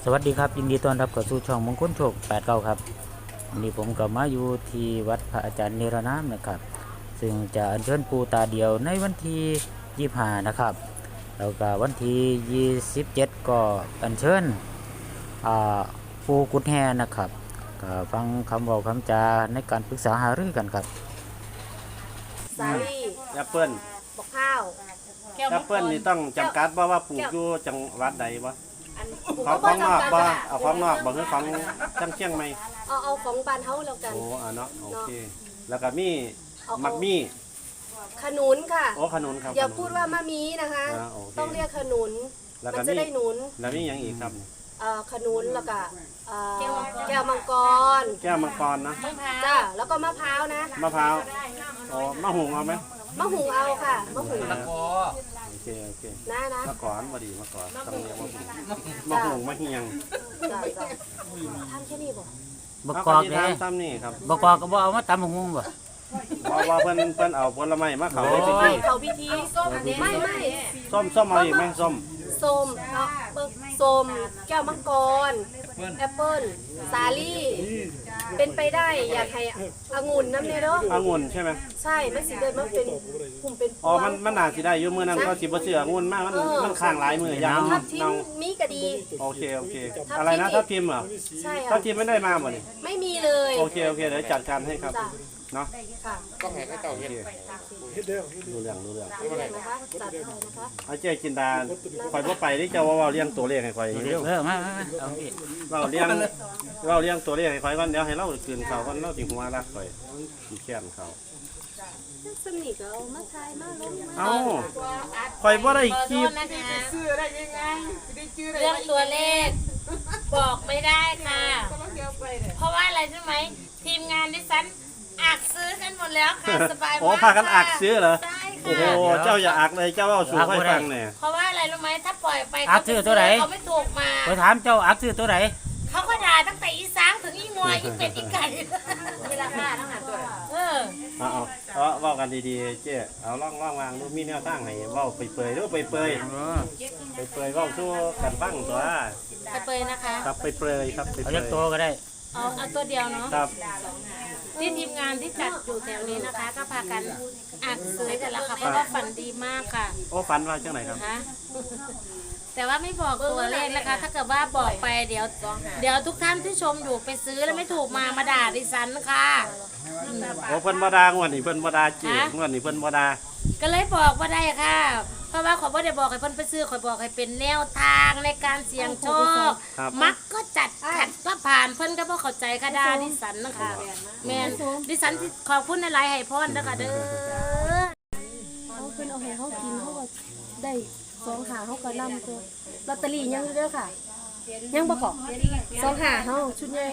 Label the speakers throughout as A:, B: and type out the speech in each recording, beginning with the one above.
A: สวัสดีครับยินดีต้อนรับเข้าสู่ช่องมงคลโชค89ครับวันนี้ผมก็มาอยู่ที่วัดพระอาจารย์เนรนามนะครับซึ่งจะอัญเชิญปู่ตาเดียวในวันที่25นะครับแล้วก็วันที่27ก็อัญเชิญปู่กุฎแฮนะครับก็ฟังคำเว้าคำจาในการปรึกษาหารือกันครับ
B: สาลี่
C: แอปเปิ้ล
B: บอกข้าว
C: แอปเปิ้ลนี่ต้องจำกัดว่าปลูกอยู่จังหวัดใดบ่
B: อัน
C: ของนอกบ่เอาของนอกบ่คือของจังเชียงใหม่
B: เอาของบ้านเฮาแล้วกัน
C: โอ้เนาะโอเคแล้วก็มีมักมี่
B: ขนุนค่ะ
C: โอ้ขนุนครับ
B: อย่าพูดว่ามะมีนะคะต้องเรียกขนุนมันจะได้หนุน
C: แล้วมีหยังอีกครับ
B: ขนุนแล้วก็แก้วมังกร
C: นะ
B: จ้าแล้วก็มะพร้าวนะ
C: มะพร้าวอ๋อมะหุงเอาไหม
B: มะหุงเอาค่ะมะหุง
C: โอเค
B: นะ
C: มะกอนบ่ดีมะกอนต้องเรียกมะหุงมะเฮียง
B: จ้าทำแค่นี้บ่
A: บกอกเด้
C: ทำนี่ครับ
A: บกอกก็บ่เอามาตำหงบ่
C: ว่าเพิ่นเอาผลไม้มาเขา
B: พิธีไม่
C: ส้มเอาอีกไหมส้ม
B: ส้มแก้วมังกรแอปเปิ้ลสาลี่เป็นไปได้อยากให้องุ่นน้ำเนี่ยเนาะ
C: องุ่นใช่ไหม
B: ใช่มันสิเดินมันเป็นกลุ่มเป็น
C: อ๋อมันน่าสิได้อยู่มื้อนั้นก็สิบ่เชื่อองุ่นมากมันข้างหลายมื้อยาง
B: ทับทิมมีก็ดี
C: โอเคอะไรนะทับทิมเหรอ
B: ใช่ค่ะ
C: ทับทิมไม่ได้มาบ่นี่
B: ไม่มีเลย
C: โอเคเดี๋ยวจัดการให้ครับเนาะ
B: ค่ะ
D: ต้องให้เขาเจ้าเฮ็ด
C: ดูเรื่อง
B: นะคะจัดให้นะคะ
C: เอาเจ๊จินดาข่อยบ่ไปที่เจ้าว่าเลี้ยงตัวเลขให้ข่อยเร็ว
A: มาเอาพี่
C: เราเลี้ยงตัวเลขให้ข่อยก่อนเดี๋ยวให้เราคืนเขาก่อนเราสิหัวรักข่อยสิแค้นเขา
B: สนิทเอามาทายมาลง
C: เอาข่อยบ่ได้คิด
D: ซื้อได้ยังไง
E: เรื่องตัวเลขบอกไม่ได้ค่ะเพราะว่าอะไรใช่ไหมทีมงานดิฉันอักซื้อกันหมดแล้วค่ะสบายมาก
C: โอ้พากันอักซื้อเหรอ
E: ใช่
C: โอ้
E: ค่ะ
C: โหเจ้าอย่าอักเลยเจ้าเอาสู่ให้ฟังเนี่ย
E: เพราะว่าอะไรรู้ไหมถ้าปล่อยไป
A: อักซื้อตัวไหน
E: เขาไม่ถูกมา
A: ไปถามเจ้าอักซื้อตัวไหน
E: เขาก็ด่าตั้งแต่อีสางถึงอีงวยอีเป็ดอีไก่
B: เวลาหน้าทั้งหาตัว
C: เอาเว้ากันดีๆเจ๊เอาล่องวางดูมีแนวทางให้เว้าไปเปยเด้อไปเปยเว้าสู้กันฟังตัว
E: ไปเปยนะคะ
C: ครับไปเปยครับไปเปย
A: เอาเล็กตัวก็ได้
E: เอาตัวเดียวเนาะ
C: ครับ
E: ที่ทีมงานที่จัดอยู่แถวนี้นะคะก็พากันอักซื้อกันแล้วค่ะเพราะว่าฝันดีมากค่ะ
C: โอ้ฝันว่าจังไหนครับ
E: แต่ว่าไม่บอกตัวเลขนะคะถ้าเกิดว่าบอกไปเดี๋ยวทุกท่านที่ชมอยู่ไปซื้อแล้วไม่ถูกมาด่าดิฉันค่ะ
C: โอ้เพิ่นบ่ด่างวดนี้เพิ่นบ่ด่าเจ๊งวดนี้เพิ่นบ่ด่า
E: ก็เลยบอกว่าได้ค่ะเพราะว่าขอบ่ได้บอกให้เพิ่นไปซื้อขอบอกให้เป็นแนวทางในการเสี่ยงโชคมักก็จัดขัดก็ผ่านเพิ่นก็บ่เข้าใจค่ะด่าดิฉันนะคะแม่นดิฉันขอบคุณหลายๆให้พรนะคะเด้อ
B: เขาเพิ่นเอาให้เขากินเขาก็ได้2 หาเขาก็นำตัวลอตเตอรี่ยังเด้อค่ะยังประกอบ2 หาเขาชุดใหญ่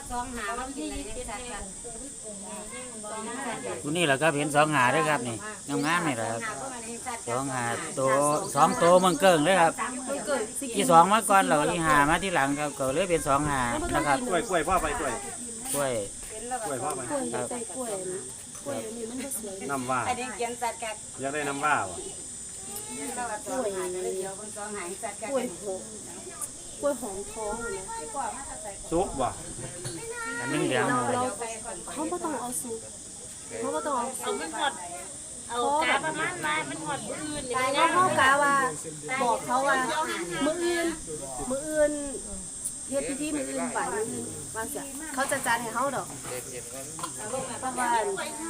A: ตัวนี้แหละครับเห็น2 หาด้วยครับนี่งามๆนี่แหละครับ2 หาตัว2ตัวมันเกิ่งเลยครับอี2มาก่อนแล้วอี5มาที่หลังครับก็เลยเป็น2 หานะครับ
C: กล้วยพ่อไปกล้วย
A: พ่อ
C: ไป
B: ครับกล้วยนี่มันก็สวย
C: น้ำว่าอยากได้น้ำว่าบ่
B: กล้วยหอมท้องเลย
C: ซุกบ่
A: อันนี้เดี๋ยว
B: เขาไม่ต้องเอาซุปเขาไม่ต้อง
E: เอามันหอดเอากาประมาณว่ามันหอดมื้ออื่นนี่
B: นะเขากาว่าบอกเขาว่ามื้ออื่นเฮ็ดพิธีมื้ออื่นไปว่าเสียเขาจะจัดให้เขาดอกประมาณ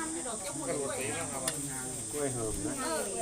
C: กล้วยหอมนะ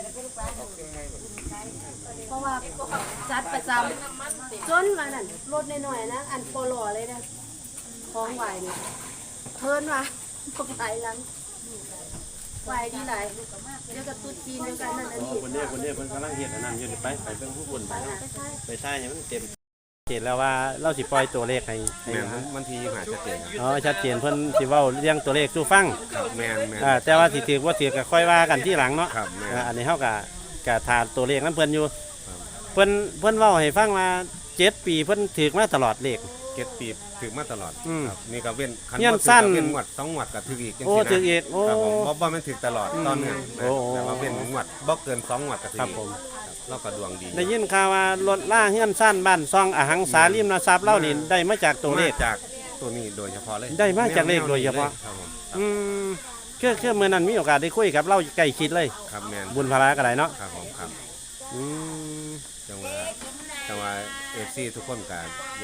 B: เพราะว่าจัดประจำจนว่านั่นรถน้อยๆนะอันโปโลเลยนะของไหวนี่เพิ่นว่าพวกไหลหลังไหวดีหลายเดี๋ยวกับตุ๊จีนเดียวกันนั่นอันนี้
C: คนนี้เพิ่นกำลังเฮ็ดอันนั้นอยู่ไปเบิ่งผู้คนไปใช่ยังมันเต็มเห็นแล้วว่าเราสิปล่อยตัวเลขให้
D: มันทีหาชัดเจน
C: ชัดเจนเพิ่นสิเว้าเรื่องตัวเลขสู่ฟัง
D: แม่น
C: แต่ว่าสิถือว่าถือก็ค่อยว่ากันที่หลังเนาะอันนี้เฮาก็ทานตัวเลขนั้นเพิ่นอยู่เพิ่นเว้าให้ฟังว่า7 ปีเพิ่นถือมาตลอดเลข
D: 7 ปีถือมาตลอดนี่ก็เว้นคัน
C: สั้น
D: เป็นงวด2 งวดก็ถืออีกจังซี่นะ
C: โอ้ถืออีกโอ้
D: บ่มันถือตลอดตอนนึงแต่ว่าเป็นงวดบ่เกิน2 งวดก็ถือ
C: ครับผม
D: เราก็ดวงดี
C: ได้ยินข่าวว่ารถล่าเฮือนซ่านบ้านซองอหังสาริมทรัพย์เล่านี่ได้มาจากตัวเลข
D: มาจากตัวนี้โดยเฉพาะเลย
C: ได้มาจากเลขโดยเฉพาะ
D: ครับผม
C: อืมคือเมื่อนั้นมีโอกาสได้คุยกับเล่าใกล้ชิดเลย
D: ครับแมน
C: บุญพลาก็ได้เนาะ
D: ครับผมครับ
C: อืม
D: จังหวะFC ทุกคนก็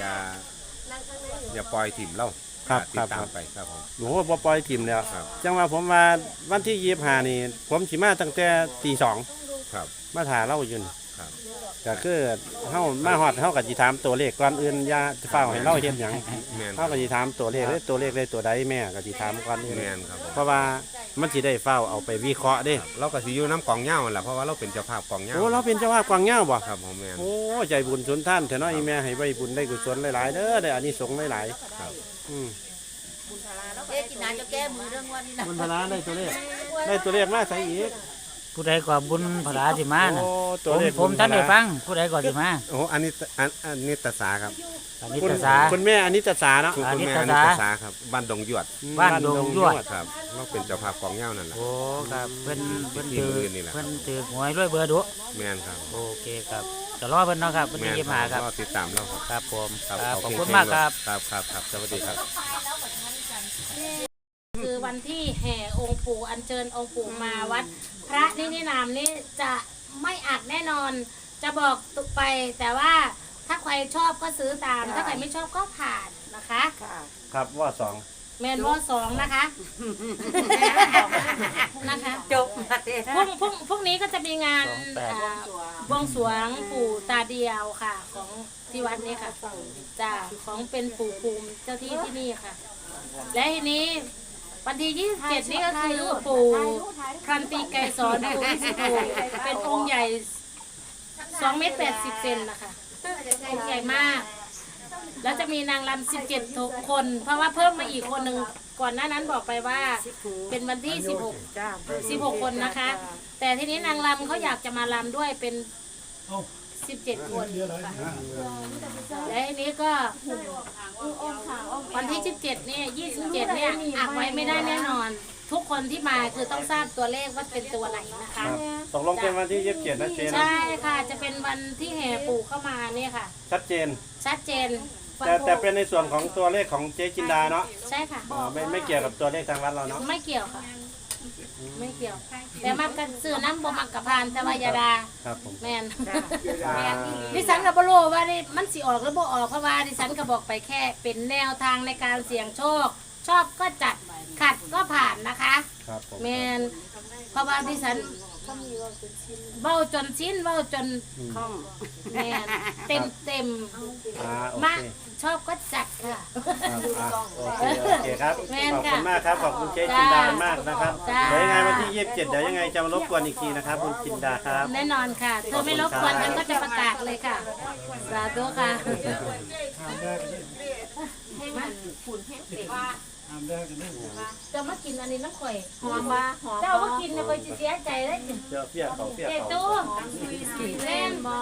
D: อย่าปล่อยถิ่มเรา
C: ครับ
D: ติ
C: ครั
D: ด
C: บ
D: ตา
C: ค
D: ม
C: รับ
D: ไปครับผม
C: โหบ่ปล่อยทีมแล้ว
D: ครับ
C: จังว่าผมว่าวันที่25นี่ผมสิมาตั้งแต่ตีสอง
D: ครับ
C: มาถ่าเล่าอยู่นี่
D: ครับ
C: ก็คือเฮามาฮอดเฮาก็สิถามตัวเลขก่อนอื่นอย่าเฝ้าให้เล่าเฮ็ดหยัง
D: แมน
C: เฮาก็สิถามตัวเลขเลยตัวเลขได้ตัวใดแม่ก็สิถามก่อนอื่น
D: แมนครับผม
C: เพราะว่ามันสิได้เฝ้าเอาไปวิเคราะห์เด้
D: เราก็สิอยู่น้ำกองเหย้าแหละเพราะว่าเราเป็นเจ้าภาพกองเหย้า
C: โอ้เราเป็นเจ้าภาพกวางเหย้าบ่
D: ครับผมแมน
C: โอ้ใจบุญสุนท่านเถอะเนาะอีแม่ให้ใบบุญได้กุศลหลายๆเด้อได้อานิสงส์หลาย
D: ครับ
C: ๆอืม
E: เอ๊ะกินน้ำจะแก้มือเรื่องวันนี้นะ
C: บุญพลาได้ตัวเลขได้ตัวเลขมาใส่อีก
A: ผู้ใดก็บุญพลาสิมาน่ะ
C: โอ้ตัวเลข
A: ผมท่านได้ฟังผู้ใดก็สิมา
D: โอ้อันนี้ตาสาครับ
A: อันนี้
C: คุณ
A: ภาษา
C: คุณแม่อันนี้ตาสาเนาะ
D: คุณ
A: อันนี้
D: แม่
A: ตา
D: อันนี้
A: สา
D: ตาสาครับบ้านดงหยวด
A: บ้านดงยวด
D: ครับเราเป็นเจ้าภาพกองเหย้านั่นแหละ
A: โอ้ครับเพิ่น
D: ที่
A: ถือ
D: โรงเรียนนี่แหละ
A: เพิ่นถือหวยด้วยเบอร์ดุ
D: แมนครับ
A: โอเคครับจะรอเพิ่นเนาะครับวัน
D: แม
A: ที่
D: น
A: 25ครับ
D: ก็ติดตามเราครับ
A: ครับผม
D: ครับ
A: ครับขอบ
D: เง
A: คุณ
D: ๆ
A: มากครับ
D: ครับสวัสดีครับ
E: คือวันที่แห่องค์ปู่อัญเชิญองค์ปู่มาวัด พระนินามนี่จะไม่อักแน่นอน จะบอกตุกไป แต่ว่าถ้าใครชอบก็ซื้อตาม ถ้าใครไม่ชอบก็ผ่านนะคะ
C: ครับว่าสอง
E: แมนวอสองนะคะนะคะ
B: จบมาเด้
E: พรุ่งนี้ก็จะมีงาน
A: 28
E: บวงสรวงปู่ตาเดียวค่ะ ของที่วัดนี้ค่ะจ้าของเป็นปู่ภูมิเจ้าที่ที่นี่ค่ะ และทีนี้วันที่ 27 นี่ก็คือปู่ครันตีไกรสอนปู่วิสุทธิ์เป็นองค์ใหญ่2 เมตร 80 เซนนะคะองค์ใหญ่มาก แล้วจะมีนางรำ17 คน เพราะว่าเพิ่มมาอีกคนหนึ่งก่อนหน้านั้นบอกไปว่าเป็นวันที่ 16 คนนะคะ แต่ทีนี้นางรำเขาอยากจะมารำด้วยเป็น 17 คนค่ะและทีนี้ก็วันที่ 17 เนี่ย 27 เนี่ยอักไว้ไม่ได้แน่นอน ทุกคนที่มาคือต้องทราบตัวเลขว่าเป็นตัวไหนนะคะ
C: ตกลงเป็นวันที่27นะเจน
E: ใช่ค่ะ จะเป็นวันที่แห่ปู่เข้ามาเนี่ยค่ะ
C: ชัดเจน
E: ชัดเจน
C: แต่เป็นในส่วนของตัวเลขของเจ๊จินดาเนาะ
E: ใช่ค่ะ
C: อ๋อไม่เกี่ยวกับตัวเลขทางวัดเราเนาะ
E: ไม่เกี่ยวค่ะ ไม่เกี่ยว แต่มักกันซื้อน้ำบ่มักกับพานแต่ว่ายาดา
C: ครับผม
E: แมนแมนดิฉันก็บ่รู้ว่านี่มันสิออกหรือบ่ออกเพราะว่าดิฉันก็บอกไปแค่เป็นแนวทางในการเสี่ยงโชค ชอบก็จัดขัดก็ผ่านนะคะ
C: ครับผม
E: แมนเพราะว่าดิฉันเบ้าจนชิ้นเบ้าจนแมนเต็ม
C: โอ
E: มา
C: เค
E: ชอบก็จัดค่ะ
C: โอเคครับ
E: แม่น
C: ขอบ
E: ค่ะ
C: คุณมากครับขอบคุณเจ๊จินดามากนะครับ
E: จ้า
C: เดี๋ยวยังไงวันที่27เดี๋ยวยังไงจะมารบกวนอีกทีนะครับคุณจินดาครับ
E: แน่นอนค่ะเธอไม่รบกวนฉันก็จะประกาศเลยค่ะ สาธุค่ะจะมากินอันนี้น้ำข่อย
B: หอมบ่หอม
E: เจ้ามากินเนี่ยข่อยสิเสียใจเลย
C: เจ้าเปียกเขาเปียก
E: เจ๊
C: เขา
E: ตู้เล่นบอ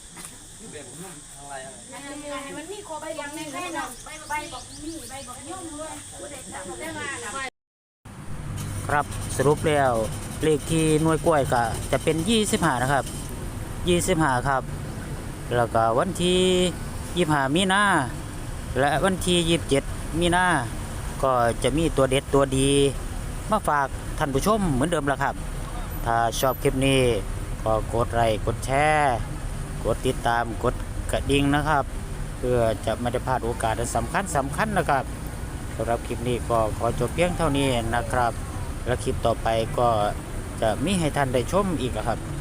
A: ครับสรุปแล้วเลขที่หน่วยกล้วยก็จะเป็น25นะครับ25ครับแล้วก็วันที่25มีนาและวันที่27มีนาก็จะมีตัวเด็ดตัวดีมาฝากท่านผู้ชมเหมือนเดิมละครับ ถ้าชอบคลิปนี้ก็กดไลค์กดแชร์กดติดตามกดกระดิ่งนะครับ เพื่อจะไม่ได้พลาดโอกาสอันสำคัญนะครับสำหรับคลิปนี้ก็ขอจบเพียงเท่านี้นะครับ และคลิปต่อไปก็จะมีให้ท่านได้ชมอีกครับ